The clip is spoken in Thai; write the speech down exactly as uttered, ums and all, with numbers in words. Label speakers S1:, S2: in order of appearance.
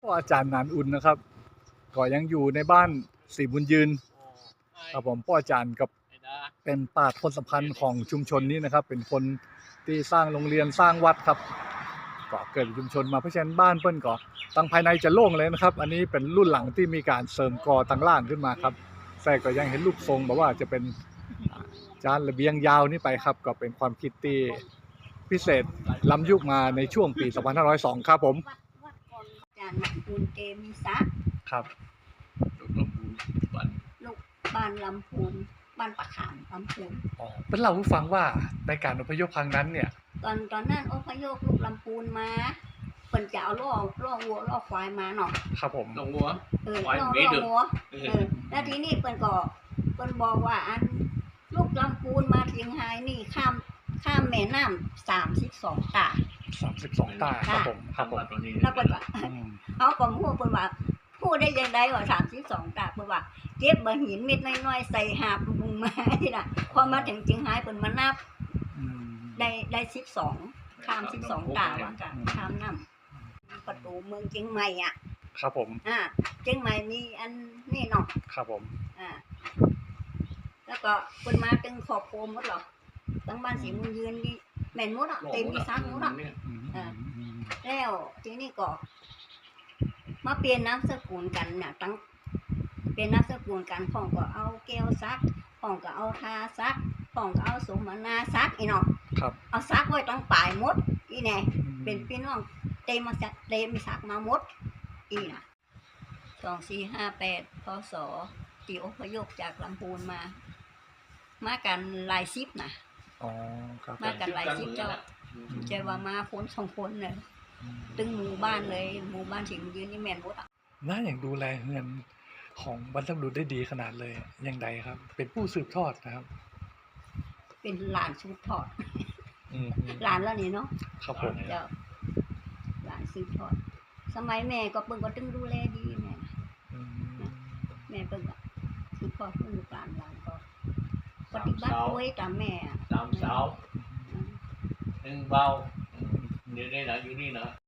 S1: อาจารย์นานอุ่นนะครับก็ยังอยู่ในบ้านศรีบุญยืนครับผมพ่ออาจารย์กับเป็นปราชญ์คนสำคัญของชุมชนนี้นะครับเป็นคนที่สร้างโรงเรียนสร้างวัดครับก็เกิดชุมชนมาเพราะฉะนั้นบ้านเปิ้นก็ตั้งภายในจะโล่งเลยนะครับอันนี้เป็นรุ่นหลังที่มีการเสริมกอตั้งล่างขึ้นมาครับแต่ก็ยังเห็นรูปทรงแบบว่าจะเป็นจานระเบียงยาวนี่ไปครับก็เป็นความคิดที่พิเศษล้ำยุคมาในช่วงปี สองพันห้าร้อยสอง ครับผม
S2: วัดก่อนอาจารย์หนักปูนเกมีซัก
S1: ครับ
S3: ลูกลำพูนบ้าน
S2: ลูกบ้านลำพูนบ้านปะขามลำพูน
S1: อ๋อเป็นเล่าให้ฟังว่าในการอพยพครั้งนั้นเนี่ย
S2: ตอนตอนนั้นอพยพลูกลำพูนมาเพิ่นจะเอาล่อล่อวัวล่อควายมาเนาะ
S1: ครับผม
S3: ล่อวัว
S2: เออล่อล่อวัวเออแล้วทีนี้เพิ่นก็เพิ่นบอกว่าอันลูกลำพูนมาเชียงรายนี่ข้ามข้ามแม่น้ำสามสิบสองตา
S1: สามสิบสองตาครับผมครับผม
S2: แล้วเพิ่นว่าเอาก็ฮู้เพิ่นว่าพูดได้ยังไงว่าสามสิบสองตาเพิ่นว่าเก็บบ่หินเม็ดน้อยๆใส่หาบมุงมานี่น่ะพอมาถึงเชียงรายเพิ่นมานับได้ได้สิบสองข้ามสิบสองตาว่ากันข้ามน้ำประตูเมืองเชียงใหม่อ่ะ
S1: ครับผม
S2: อ่าเชียงใหม่มีอันนี่เนาะ
S1: ครับผม
S2: อ่าแล้วก็เพิ่นมาถึงขอบโคมหมดหรอทั้งบ้านศรีมุญยืนนี่แม่นหมดอ่ะเต็มมีซักหมดอ่ะอ่าแล้วทีนี้ก็มาเปลี่ยนนามสกุลกันเนี่ยตั้งเปลี่ยนนามสกุลกันพ่องก็เอาแก้วซักพ่องก็เอาทาซักพ่องก็เอาสมนาซักอีเนาะ
S1: ครับ
S2: เอาซักไว้ตั้งปลายหมดอีแน่เป็นพี่น้องเต็มมาจากเต็มมีซักมาหมดอีน่ะสองสี่ห้าแปดพศที่อพยพจากลำพูนมามากันหลายสิบนะ
S1: อ๋อครับ
S2: มากันหลายสิบเจ้าใจว่ามาคนสองคนเลยตึงหมู่บ้านเลยหมู่บ้านถึงยืนนี่แม่นหมดอ่ะ
S1: น่าอย่างดูแลเงินของบรรพบุรุษได้ดีขนาดเลยยังไงครับเป็นผู้สืบทอดนะครับ
S2: เป็นหลานสืบทอดหลานแล้วนี่เนาะ
S1: ครับผม
S2: เจ้าหลานสืบทอดสมัยแม่ก็เพิ่งก็ตึงดูแลดีแม่แม่เพิ่งก็สืบทอดเพิ่งลูกหลานหลานก็ปฏิบัติด้วยตามแม่
S3: สามสาวหนึ่งเบาเดี๋ยวนี้นะอยู่นี่นะ